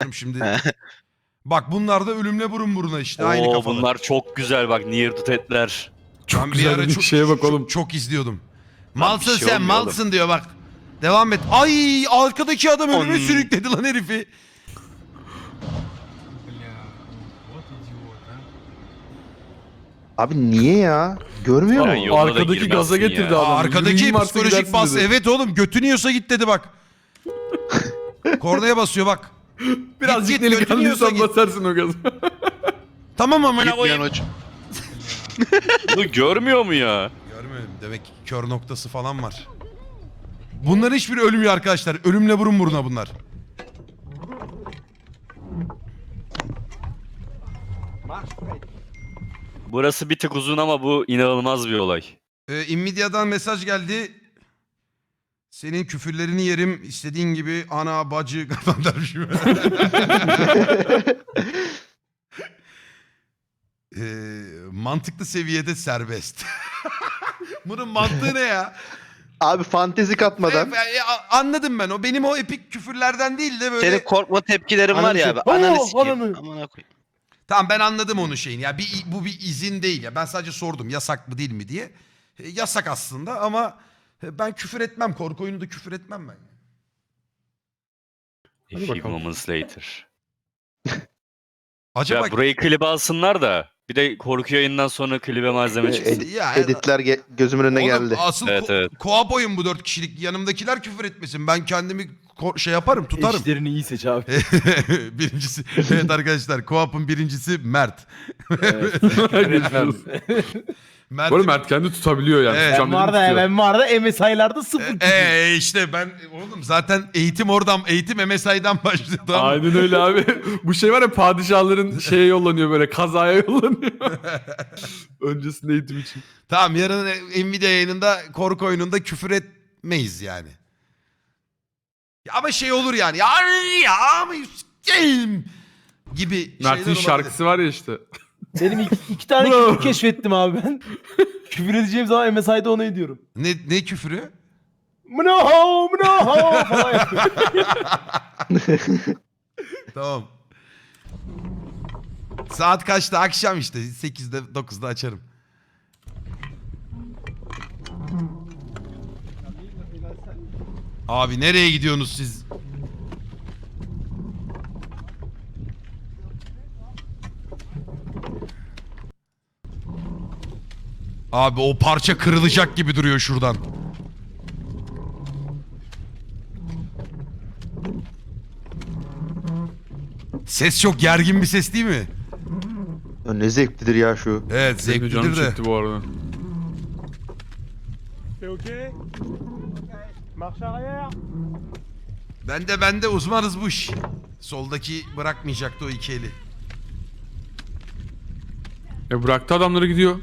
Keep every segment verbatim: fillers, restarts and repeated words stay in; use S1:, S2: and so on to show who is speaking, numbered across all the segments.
S1: şimdi. Bak bunlar da ölümle burun buruna işte. Aynı
S2: Oo,
S1: kafalar.
S2: bunlar çok güzel bak. Near to Dead'ler.
S3: Çok
S1: Ben
S3: güzel bir şeye bak oğlum.
S1: Çok, çok izliyordum.
S2: Lan
S1: Malsın
S2: bir şey
S1: sen
S2: olmuyor
S1: malsın
S2: oğlum.
S1: diyor bak. Devam et. Ay arkadaki adam ölüme
S2: On-
S1: sürükledi lan herifi.
S4: Abi niye ya? Görmüyor
S2: Ya
S4: mu?
S2: yolda da
S3: Arkadaki
S2: girmezsin
S3: gaza
S2: ya.
S3: getirdi
S1: Aa,
S3: adam.
S1: arkadaki
S3: Yüreğin varsa
S1: psikolojik
S3: gidersin
S1: bas.
S3: dedi.
S1: Evet oğlum götünü yiyorsa git dedi bak. Kornaya basıyor bak.
S3: Birazcık
S1: Git, git, götünü yiyorsa
S3: delikanlıysan
S1: git.
S3: basarsın o gaza.
S1: Tamam amına
S5: Gitmeyen
S1: koyayım.
S5: hoca.
S2: Bunu görmüyor mu ya?
S1: Görmüyorum. Demek ki kör noktası falan var. Bunların hiçbiri ölmüyor arkadaşlar. Ölümle burun buruna bunlar.
S2: Burası bir tık uzun ama bu inanılmaz bir olay.
S1: Ee, Nvidia'dan mesaj geldi. Senin küfürlerini yerim. İstediğin gibi ana bacı falan dermişim. ee, mantıklı seviyede serbest. Bunun mantığı ne ya?
S4: Abi fantezi katmadan.
S1: E, e, a- anladım ben. O benim o epik küfürlerden değil de böyle.
S6: Senin korkma tepkilerin var ya abi.
S4: Ananı-
S6: Ananı
S4: Oo,
S6: sikeyim.
S4: ananı.
S6: Amına koyayım.
S1: Tamam ben anladım onun şeyini. Ya bir bu bir izin değil ya. Ben sadece sordum yasak mı değil mi diye. E, yasak aslında ama e, ben küfür etmem. Korku oyununda küfür etmem ben.
S2: A few moments later.
S1: Acaba
S2: Ya burayı klibe alsınlar da. Bir de korku yayından sonra klibe malzeme çıksın.
S4: Ed-
S1: Ya-
S4: editler ge- gözümün önüne
S1: Oğlum,
S4: geldi.
S1: asıl
S2: Evet,
S1: ko-
S2: evet.
S1: co-op oyun bu dört kişilik. Yanımdakiler küfür etmesin. Ben kendimi ko- şey yaparım tutarım.
S7: Eşlerini iyi seç abi.
S1: Birincisi evet arkadaşlar co-op'un birincisi Mert. Mert.
S3: Bu arada Mert kendi tutabiliyor yani.
S1: Evet.
S3: Tutacağım
S7: Ben
S3: dedim,
S7: var da
S3: tutuyor.
S7: ben var da M S I'larda sıfır.
S1: E, e, işte ben oğlum zaten eğitim oradan eğitim M S I'dan başlıyor tamam mı?
S3: Aynen öyle abi. Bu şey var ya padişahların şeye yollanıyor böyle kazaya yollanıyor. Öncesinde eğitim için.
S1: Tamam yarın Nvidia yayınında korku oyununda küfür etmeyiz yani. Ya ama şey olur yani. Ya ya ama s**eyim gibi
S3: Mert'in
S1: şeyler olabilir.
S3: şarkısı var ya işte.
S7: Benim iki, iki tane küfür keşfettim abi ben. Küfür edeceğim zaman M S I'da onu ediyorum.
S1: Ne, ne küfürü?
S7: Mınaho mınaho falan yapıyor.
S1: Tamam. Saat kaçta? Akşam işte. sekizde dokuzda açarım. Abi nereye gidiyorsunuz siz? Abi o parça kırılacak gibi duruyor şuradan. Ses çok gergin bir ses değil mi?
S4: Ya ne zevklidir ya şu.
S1: Evet
S3: Benim de canım
S1: zevklidir de.
S3: çekti bu arada.
S1: Ben de ben de uzmanız bu iş. Soldaki bırakmayacaktı o iki eli.
S3: E bıraktı adamları gidiyor.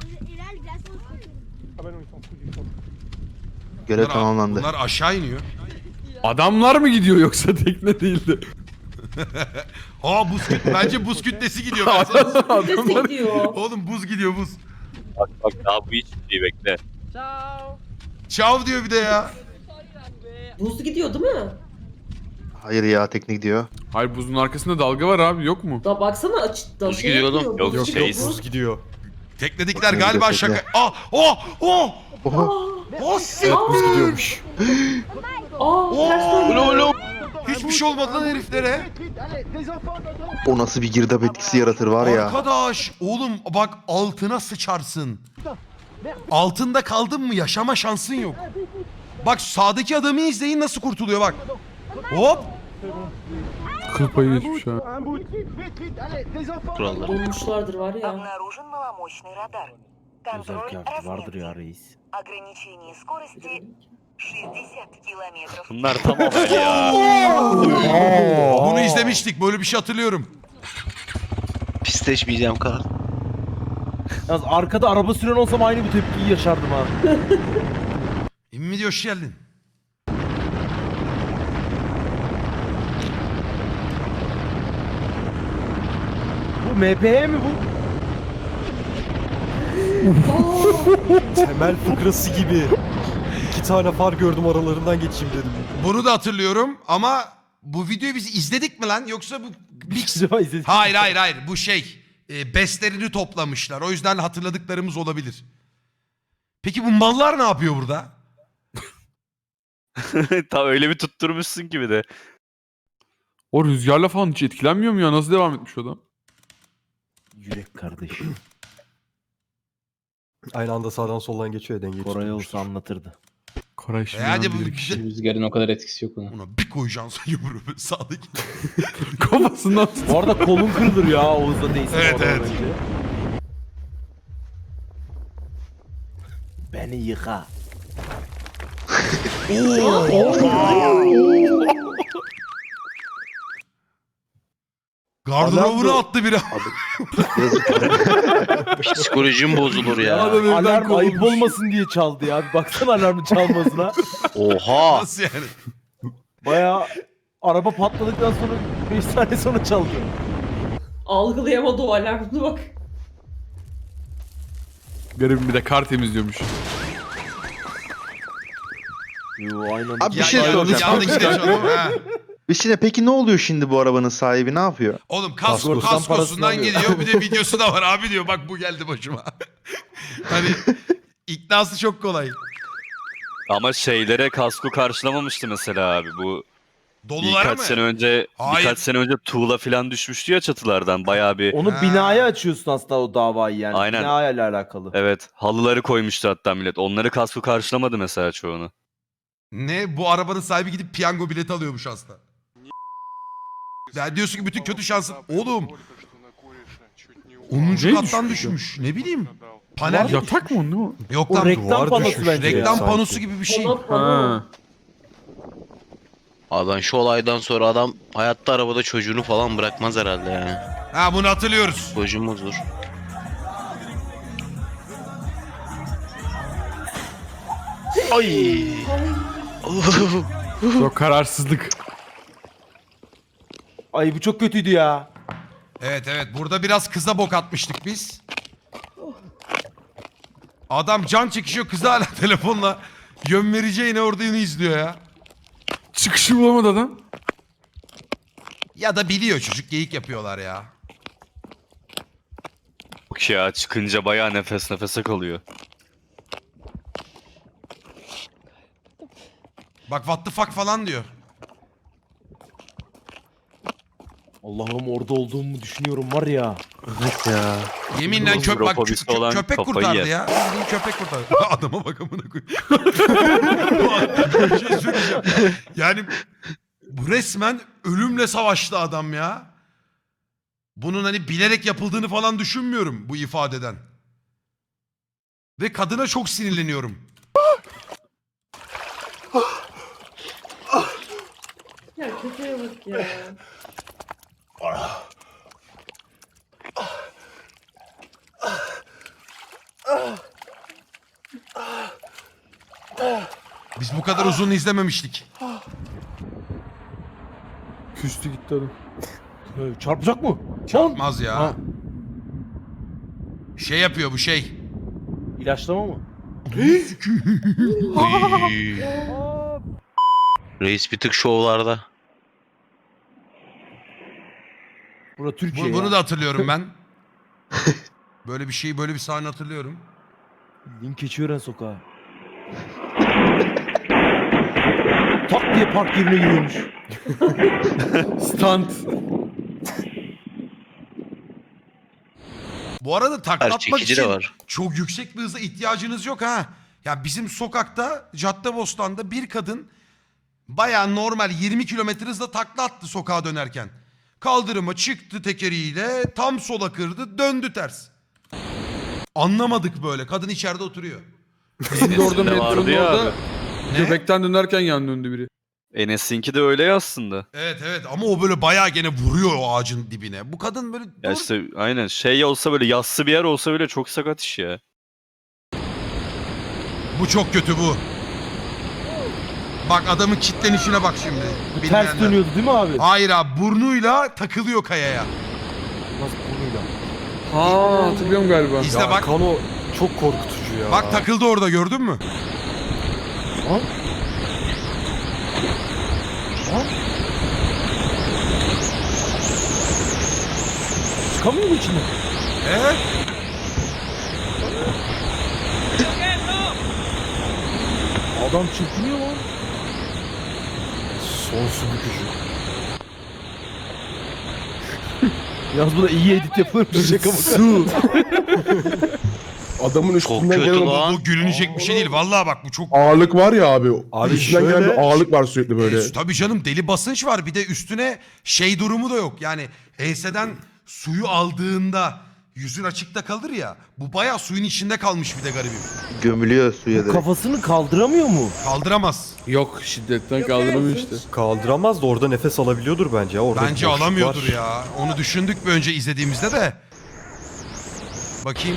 S4: Görev
S1: Bunlar-
S4: tamamlandı.
S1: Bunlar aşağı iniyor.
S3: Adamlar mı gidiyor yoksa tekne değildi?
S1: Aa buz küt bence buz kütlesi gidiyor. Ben sana-
S3: Adamlar...
S1: Oğlum buz gidiyor buz.
S2: Bak bak daha bu hiç iyi bekle.
S1: Çav diyor bir de ya.
S8: Buz gidiyor değil mi?
S4: Hayır ya tekne gidiyor.
S3: Hayır buzun arkasında dalga var abi yok mu?
S8: Da baksana açıkta
S6: Buz
S8: şey
S6: gidiyor oğlum.
S8: yapıyor,
S2: Yok,
S8: buz
S2: yok,
S8: gidiyor,
S2: şey-
S8: buz.
S7: gidiyor.
S1: Teknedekiler
S4: Tekne
S1: galiba
S4: gidiyor,
S1: şaka. Aa oh oh
S4: Oha.
S1: oh siktir.
S7: Buz gidiyormuş.
S8: Aa ters döndü.
S1: Hiçbir şey olmadı lan heriflere.
S4: O nasıl bir girdap etkisi yaratır var ya.
S1: Arkadaş oğlum bak altına sıçarsın. Altında kaldın mı yaşama şansın yok. Bak sağdaki adamı izleyin nasıl kurtuluyor bak. Hop.
S3: Kıl payı geçmiş ha.
S6: Kurallar.
S8: Donmuşlardır var ya.
S9: Обнаружен маломощный радар. Контроль
S7: Vardır ya
S9: разметки.
S7: reis.
S9: Ограничение скорости шестьдесят километров.
S2: Bunlar tam olay ya.
S1: Bunu izlemiştik böyle bir şey hatırlıyorum.
S6: Pisleşmeyeceğim kal.
S7: Yalnız arkada araba süren olsam aynı bu tepkiyi yaşardım ha.
S1: İmmi hoş geldin.
S7: Bu M P H mi bu? Temel fıkrası gibi. İki tane far gördüm aralarından geçeyim dedim.
S1: Bunu da hatırlıyorum ama bu videoyu biz izledik mi lan yoksa bu
S7: Bir acaba izledik.
S1: Hayır hayır hayır bu şey e, bestlerini toplamışlar. O yüzden hatırladıklarımız olabilir. Peki bu mallar ne yapıyor burada?
S2: Tam öyle bir tutturmuşsun ki bir de.
S3: O rüzgarla falan hiç etkilenmiyor mu ya? Nasıl devam etmiş o adam?
S7: Yürek kardeşim.
S5: Aynı anda sağdan soldan geçiyor ya dengeyi
S7: Koray
S5: tutturmuştur.
S7: olsa anlatırdı.
S3: Koray şimdi
S1: E hadi bu
S3: bilir kişi.
S6: Rüzgarın o kadar etkisi yok ona.
S1: Buna bir koyacaksın yumruğu sağdaki.
S3: Kafasından tut.
S7: Bu arada kolun kırılır ya Oğuz'da değilse.
S1: Evet,
S7: oradan
S1: evet.
S7: önce. Beni yıka.
S1: Gardırobu'nu attı biri.
S4: Psikolojim bozulur ya.
S3: Adam evden
S7: Alarm ayıp
S3: kovulmuş.
S7: olmasın diye çaldı ya. Bir baksana alarmın çalmasına.
S4: Oha.
S1: Nasıl yani?
S7: Baya araba patladıktan sonra beş saniye sonra çaldı.
S8: Algılayamadı o alarmını bak.
S3: Garibim bir de kar temizliyormuş.
S7: Yo aynen.
S4: Abi bir
S1: Ya-
S4: şey
S1: ya-
S4: soracağım.
S1: Yanındaki de çalıyor. Ha.
S4: Hüsnü peki ne oluyor şimdi bu arabanın sahibi ne yapıyor?
S1: Oğlum kasko,
S7: Kaskosundan
S1: kaskosundan
S7: parasını
S1: geliyor. Bir de videosu da var abi diyor. Bak bu geldi başıma. Hani iknası çok kolay.
S2: Ama şeylere kasko karşılamamıştı mesela abi. Bu
S1: Dolular
S2: birkaç
S1: mı?
S2: sene önce
S1: Hayır.
S2: birkaç sene önce tuğla falan düşmüştü ya çatılardan. Bayağı bir
S7: Onu
S1: Ha.
S7: binaya açıyorsun aslında o davayı yani.
S2: Aynen.
S7: Binayla alakalı.
S2: evet halıları koymuştu hatta millet. Onları kasko karşılamadı mesela çoğunu.
S1: Ne? Bu arabanın sahibi gidip piyango bileti alıyormuş aslında. Ya diyorsun ki bütün kötü şansın. Oğlum onuncu
S3: Ne
S1: kattan
S3: düşmüş
S1: düşmüş. Ne bileyim. Panel.
S3: Yatak mı o ne o?
S1: Yok
S7: O
S1: lan.
S7: reklam
S5: duvar
S7: panosu
S5: düşmüş.
S7: bence
S1: Reklam
S7: ya.
S1: panosu gibi bir şey.
S8: Ona pano.
S3: Ha.
S10: Abi ben şu olaydan sonra adam hayatta arabada çocuğunu falan bırakmaz herhalde yani.
S1: Ha bunu hatırlıyoruz.
S10: Çocuğumuzdur. Ay.
S3: Yok kararsızlık.
S7: Ay bu çok kötüydü ya.
S1: Evet evet burada biraz kıza bok atmıştık biz. Adam can çekişiyor kıza hala telefonla yön vereceğine orada yine izliyor ya.
S3: Çıkışı bulamadı adam.
S1: Ya da biliyor çocuk geyik yapıyorlar ya.
S2: Yok ya çıkınca bayağı nefes nefese kalıyor.
S1: Bak what the fuck falan diyor.
S7: Allah'ım orada olduğumu düşünüyorum var ya.
S5: Evet ya.
S1: Yeminle köp bak,
S2: Robobisi
S1: kö- kö-
S2: olan
S1: köpek
S2: kafayı
S1: kurtardı
S2: yer.
S1: ya. Bildiğin köpek kurtardı. Adama bak amına koyayım. Bir şey söyleyeceğim. Yani bu resmen ölümle savaştı adam ya. Bunun hani bilerek yapıldığını falan düşünmüyorum bu ifadeden. Ve kadına çok sinirleniyorum.
S8: Ya kötüye bak ya.
S1: Biz bu kadar uzun izlememiştik.
S3: Küstü gitti adam.
S7: Ee, Çarpacak mı?
S1: Çarpmaz ya.
S7: Ha.
S1: Şey yapıyor bu şey.
S7: İlaçlama mı?
S10: Reis bir tık şovlarda.
S7: Bura Türkiye
S1: Bu-
S7: ya.
S1: bunu da hatırlıyorum ben. Böyle bir şey, böyle bir sahne hatırlıyorum.
S7: Link Keçiören sokağı. Tak diye park yerine giriyormuş.
S3: Stunt.
S1: Bu arada takla
S10: Her
S1: atmak
S10: çekici
S1: için
S10: de var.
S1: çok yüksek bir hıza ihtiyacınız yok ha. Ya bizim sokakta Caddebostan'da bir kadın bayağı normal yirmi kilometre hızla takla attı sokağa dönerken. Kaldırıma çıktı tekeriyle tam sola kırdı döndü ters. Anlamadık böyle kadın içeride oturuyor.
S3: Bizim de orada
S2: Enes'in de vardı
S3: metronun
S2: ya
S3: orada
S2: abi.
S1: Ne?
S3: göbekten dönerken yan döndü biri.
S2: Enes'inki de öyle ya aslında.
S1: Evet evet ama o böyle bayağı gene vuruyor o ağacın dibine. Bu kadın böyle
S2: Ya
S1: dur.
S2: işte aynen şey olsa böyle yassı bir yer olsa böyle çok sakat iş ya.
S1: Bu çok kötü bu. Bak adamın kitlenişine bak şimdi.
S7: Bu ters
S1: Bilmeyenler.
S7: dönüyordu değil mi abi?
S1: Hayır abi burnuyla takılıyor kayaya.
S7: Nasıl burnuyla?
S3: Ha hatırlıyorum galiba.
S1: İzle
S5: Ya
S1: bak.
S5: Kano çok korkutucu ya.
S1: Bak takıldı orada gördün mü?
S7: Çıkamıyor mu içinden?
S1: Evet.
S7: Adam çırpınıyor lan.
S5: Son su bükücü.
S7: Yalnız bu da iyi edit yapılmış şaka maka.
S5: Su.
S6: Adamın
S10: Çok
S6: üstünden
S10: kötü
S6: gelen o
S10: lan.
S1: Bu gülünecek bir şey değil. Vallahi bak bu çok...
S6: ağırlık var ya abi.
S5: Abi
S6: üstünden
S5: şöyle-
S6: gelen bir ağırlık var sürekli böyle.
S1: E, tabii canım deli basınç var. Bir de üstüne şey durumu da yok. Yani enseden suyu aldığında yüzün açıkta kalır ya. Bu bayağı suyun içinde kalmış bir de garibim.
S4: Gömülüyor suya direkt.
S7: Kafasını kaldıramıyor mu?
S1: Kaldıramaz.
S3: Yok şiddetten kaldıramıyor işte.
S5: Kaldıramaz da orada nefes alabiliyordur bence ya. Orada bir
S1: Bence
S5: boşluk
S1: alamıyordur
S5: var.
S1: ya. Onu düşündük bir önce izlediğimizde de. Bakayım.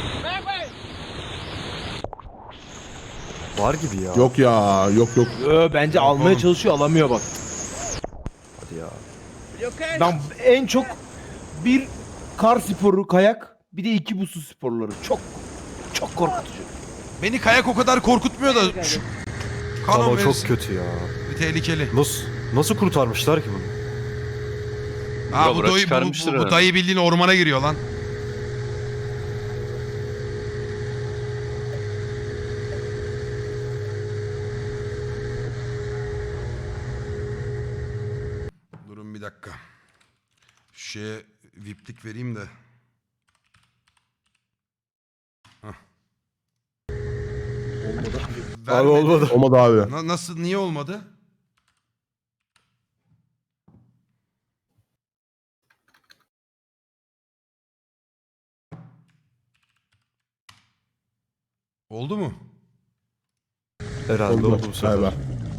S5: Var gibi ya.
S6: Yok ya yok yok.
S7: Ö, bence
S1: Yok
S7: almaya
S1: oğlum.
S7: çalışıyor, alamıyor bak.
S5: Hadi ya.
S7: Ben en çok bir kar sporu, kayak, bir de iki bu su sporları. Çok çok korkutucu.
S1: Beni kayak o kadar korkutmuyor da şu kanon
S5: Ama çok
S1: verirsin.
S5: kötü ya.
S1: Bir tehlikeli.
S5: Nasıl nasıl kurtarmışlar ki bunu?
S1: Ha
S2: Ya
S1: bu,
S2: bırak
S1: dayı, bu,
S2: çıkarmıştır
S1: bu, bu
S2: herhalde.
S1: dayı bildiğin ormana giriyor lan. Durun bir dakika. Şu şeye viplik vereyim de. Hah.
S6: Abi
S1: Vermedi.
S6: olmadı. Olmadı abi.
S1: Na- nasıl, niye olmadı? Oldu mu?
S5: Herhalde
S6: Oldu.
S5: oldu bu sefer.
S6: Galiba.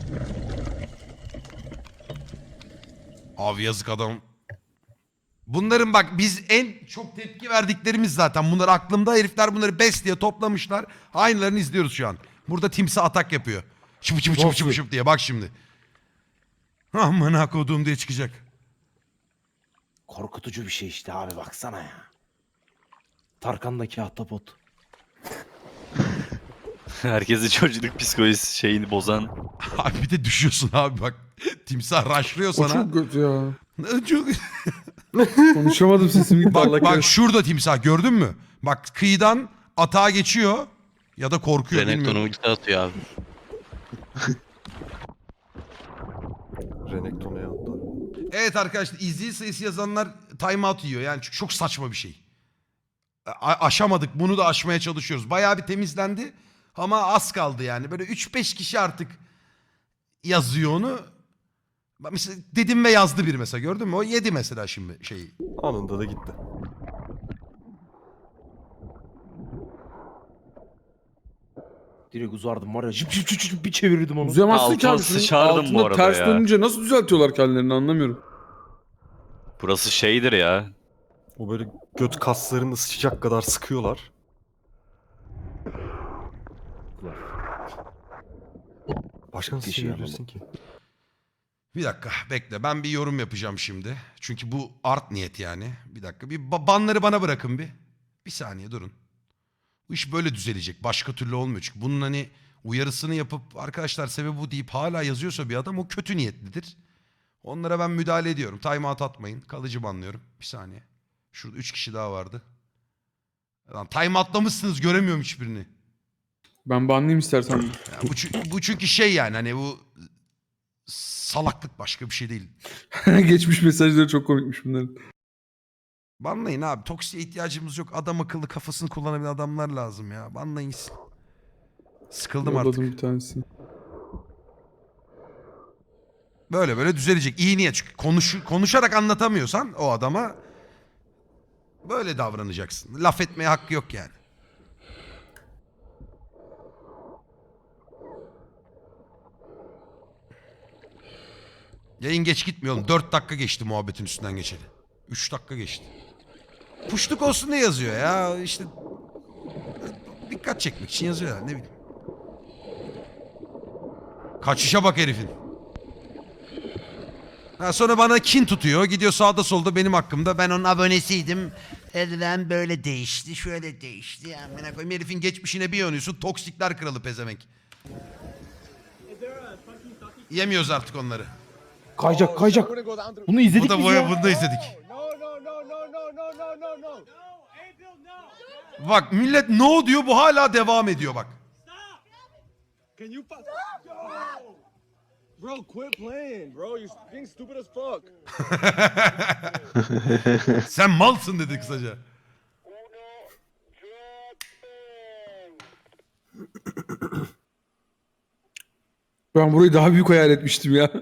S1: Abi yazık adam. Bunların bak biz en çok tepki verdiklerimiz zaten. Bunlar aklımda, herifler bunları bes diye toplamışlar. Aynılarını izliyoruz şu an. Burada timsah atak yapıyor. Şıp şıp şıp şıp şıp diye bak şimdi. Amına kodum diye çıkacak.
S7: Korkutucu bir şey işte abi, baksana ya. Tarkan'daki ahtapot.
S2: Herkesin çocukluk psikolojisi şeyini bozan.
S1: Abi bir de düşüyorsun abi bak. Timsah raşlıyor
S3: O
S1: sana.
S3: çok kötü ya.
S1: Çok...
S3: Konuşamadım sesim gitti. Allah
S1: Bak bak
S3: kahretsin.
S1: şurada timsah gördün mü? Bak kıyıdan atağa geçiyor ya da korkuyor bilmiyorum.
S10: Renekton'u ulti atıyor abi.
S5: Renekton'a yattı.
S1: Evet arkadaşlar izleyici sayısı yazanlar timeout yiyor. Yani çünkü çok saçma bir şey. A- aşamadık, bunu da aşmaya çalışıyoruz. Bayağı bir temizlendi ama az kaldı yani. Böyle üç beş kişi artık yazıyor onu. Bak mesela dedim ve yazdı bir mesela, gördün mü? O yedi mesela şimdi şeyi.
S5: Anında da gitti.
S7: Direkt uzardım var ya, jip jip jip jip bir çevirirdim onu.
S3: Uzayamazsın ki
S2: Altıma
S3: abi. Şunun
S2: sıçardım bu
S3: altında
S2: arada
S3: ters
S2: ya.
S3: dönünce nasıl düzeltiyorlar kendilerini anlamıyorum.
S2: Burası şeydir ya.
S5: O böyle göt kaslarını sıçacak kadar sıkıyorlar. Başka nasıl
S7: Bir şey
S5: çevirebilirsin ki?
S1: Bir dakika bekle, ben bir yorum yapacağım şimdi. Çünkü bu art niyet yani. Bir dakika, bir ba- banları bana bırakın bir. Bir saniye durun. Bu iş böyle düzelecek. Başka türlü olmuyor. Çünkü bunun hani uyarısını yapıp arkadaşlar sebebi bu deyip hala yazıyorsa bir adam, o kötü niyetlidir. Onlara ben müdahale ediyorum. Timeout atmayın. Kalıcı banlıyorum. Bir saniye. Şurada üç kişi daha vardı. Lan timeoutlamışsınız, göremiyorum hiçbirini.
S3: Ben banlayayım istersen.
S1: Ya bu, çü- bu çünkü şey yani hani bu salaklık, başka bir şey değil.
S3: Geçmiş mesajları çok komikmiş bunların.
S1: Banlayın abi. Toksiye ihtiyacımız yok. Adam akıllı kafasını kullanabilen adamlar lazım ya. Banlayın gitsin. Sıkıldım artık.
S3: Yolladım bir tanesini.
S1: Böyle böyle düzelecek. İyi niyet. Çünkü konuş, konuşarak anlatamıyorsan o adama böyle davranacaksın. Laf etmeye hakkı yok yani. Yayın geç gitmiyor oğlum. dört dakika geçti muhabbetin üstünden geçeli. üç dakika geçti. Puşluk olsun diye yazıyor ya. İşte dikkat çekmek için yazıyor ya, ne bileyim. Kaçışa bak herifin. Ha, sonra bana kin tutuyor. Gidiyor sağda solda benim hakkımda. Ben onun abonesiydim. Elden böyle değişti, şöyle değişti. Amına koyayım, herifin geçmişine bir yanıyorsun. Toksikler kralı pezemek. Yemiyoruz artık
S7: Kayacak kayacak. Bunu izledik
S1: Bu da
S7: biz
S1: boya,
S7: ya.
S1: bunu da izledik. Bak millet no diyor, bu hala devam ediyor bak.
S5: Bro, quit playing, bro. You're being stupid as fuck.
S1: Sen malsın dedi kısaca.
S3: Ben burayı daha büyük hayal etmiştim ya.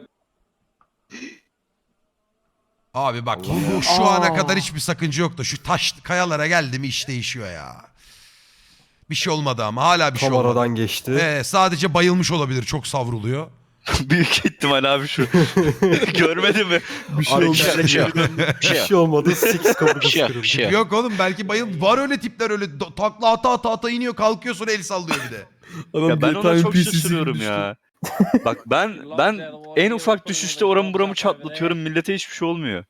S1: Abi bak bu, bu şu ana kadar hiçbir sakınca yoktu. Şu taş kayalara geldi mi iş değişiyor ya. Bir şey olmadı ama hala bir şey
S5: Tam
S1: olmadı.
S5: aradan geçti.
S1: Ee, sadece bayılmış olabilir, çok savruluyor.
S2: Büyük ihtimal abi şu. Görmedin mi?
S3: Bir şey
S5: Abi,
S3: olmuş.
S10: Bir şey yok. Bir
S5: Bir
S10: şey yok.
S5: şey olmadı. Six kaburgası
S10: Bir şey yok.
S5: kırıldı.
S10: Bir şey yok.
S1: Yok oğlum belki bayıl var öyle tipler, öyle do- takla ata ata ata iniyor, kalkıyor sonra el sallıyor bir de.
S3: Adam
S2: Ya ben
S3: G T A
S2: ona çok
S3: N P C'si
S2: şaşırıyorum
S3: gibi
S2: ya. Bak ben ben en ufak düşüşte oramı buramı çatlatıyorum. Millete hiçbir şey olmuyor.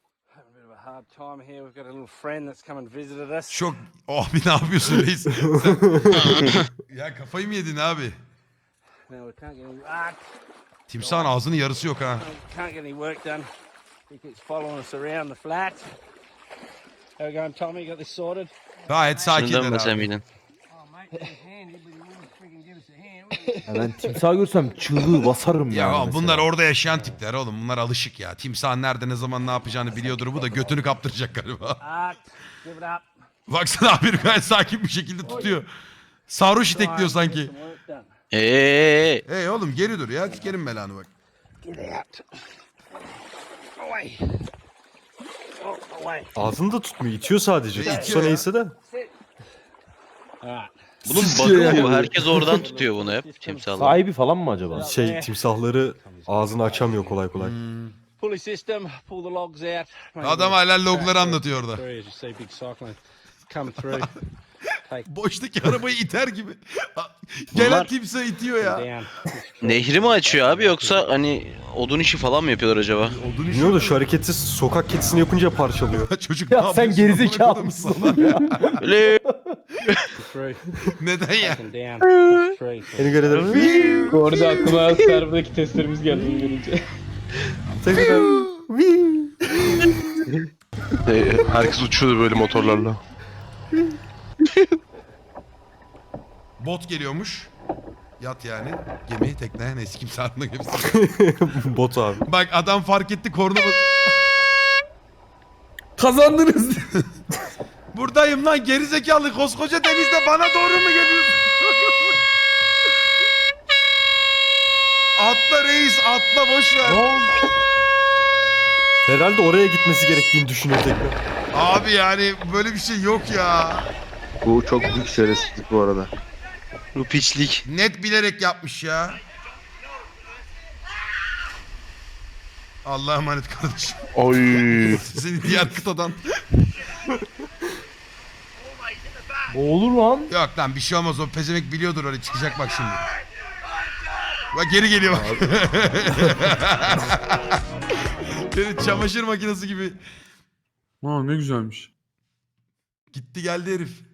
S1: Çok abi ne yapıyorsun reis? Sen- ya kafayı mı yedin abi? Timsahın ağzının yarısı yok ha. Gayet
S10: Şunu
S1: sakinler
S10: dönmesem
S1: abi.
S10: miydin?
S7: Ya ben timsah görsem çığlığı basarım
S1: Ya
S7: yani
S1: oğlum,
S7: mesela.
S1: bunlar orada yaşayan tipler oğlum. Bunlar alışık ya. Timsahın nerede ne zaman ne yapacağını biliyordur. Bu da götünü kaptıracak galiba. Baksana abi gayet sakin bir şekilde tutuyor. Sarhoş itekliyor sanki.
S10: Eee.
S1: Hey oğlum geri dur ya. Sikerim belanı bak.
S5: Ağzını da tutmuyor. İtiyor sadece.
S1: İtiyor
S5: Tutsa
S1: ya.
S5: neyse de.
S10: Bunun
S3: Sıçıyor
S10: bug'ı bu.
S3: yani.
S10: Herkes oradan tutuyor bunu hep. Timsahlar.
S7: Sahibi falan mı acaba?
S5: Şey timsahları ağzını açamıyor kolay kolay.
S1: Adam hala logları anlatıyor orada. Boştaki arabayı iter gibi. Gelen
S10: Bunlar-
S1: timsah itiyor ya.
S10: Nehri mi açıyor abi yoksa hani odun işi falan mı yapıyorlar acaba?
S1: Odun işi.
S5: Bilmiyorum da şu hareketi sokak kedisini yapınca parçalıyor.
S1: Çocuk ne
S7: Ya sen
S1: yapıyorsun?
S7: gerizekalı mısın lan ya?
S10: Öyle.
S1: Neden ya?
S5: Beni görelim.
S11: Orada aklıma serverdaki testlerimiz geldi bunu görünce.
S6: Herkes uçuyordu böyle motorlarla.
S1: Bot geliyormuş. Yat yani. Gemi, tekne, neyse kimse aklına gemisi.
S5: Bot abi.
S1: Bak adam fark etti, korna bas-
S3: Kazandınız.
S1: Buradayım lan gerizekalı, koskoca denizde bana doğru mu geliyorsun? Atla reis, atla boş ver.
S5: Herhalde oraya gitmesi gerektiğini düşünüyor tekrar.
S1: Abi yani böyle bir şey yok ya.
S4: Bu çok büyük şerefsizlik bu arada.
S10: Bu piçlik.
S1: Net bilerek yapmış ya. Allah'a emanet kardeşim.
S6: Oy.
S1: Seni diğer kıtadan.
S7: Olur lan.
S1: Yok lan bir şey olmaz, o pezemek biliyordur oraya çıkacak bak şimdi. Bak geri geliyor bak. Beni çamaşır makinesi gibi
S3: Aa ne güzelmiş.
S1: gitti geldi herif.